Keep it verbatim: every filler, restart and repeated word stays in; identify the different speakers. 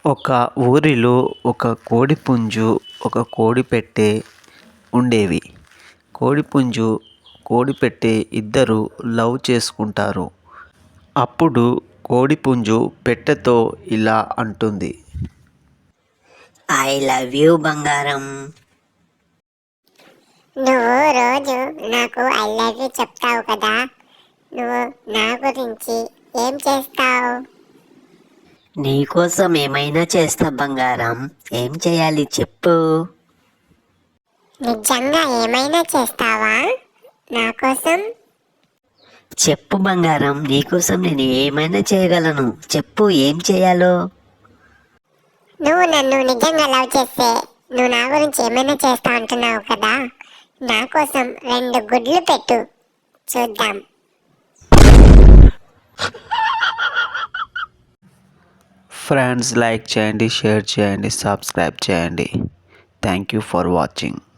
Speaker 1: ఒక ఊరిలో ఒక కోడిపుంజు ఒక కోడిపెట్టె ఉండేవి. కోడిపుంజు కోడిపెట్టె ఇద్దరూ లవ్ చేసుకుంటారు. అప్పుడు కోడిపుంజు పెట్టెతో ఇలా అంటుంది.
Speaker 2: ఐ లవ్ యూ బంగారం.
Speaker 3: నువ్వు రోజు నాకు ఐ లవ్ యూ చెప్తావు కదా, నువ్వు నా గురించి ఏం చేస్తావు?
Speaker 2: నీకోసం ఏమైనా చేస్తా బంగారం. ఏం చేయాలి చెప్పు.
Speaker 3: నిజంగా ఏమైనా చేస్తావా నా కోసం?
Speaker 2: చెప్పు బంగారం, నీకోసం నేను ఏమైనా చేయగలను. చెప్పు ఏం చేయాలో.
Speaker 3: నువ్వు నన్ను నిజంగా లవ్ చేస్తే నువ్వు నా గురించి ఏమైనా చేస్తా అంటున్నావు కదా, నా కోసం రెండు గుడ్లు పెట్టు చూద్దాం.
Speaker 1: ఫ్రెండ్స్, లైక్ చేయండి, షేర్ చేయండి, సబ్స్క్రైబ్ చేయండి. Thank you for watching.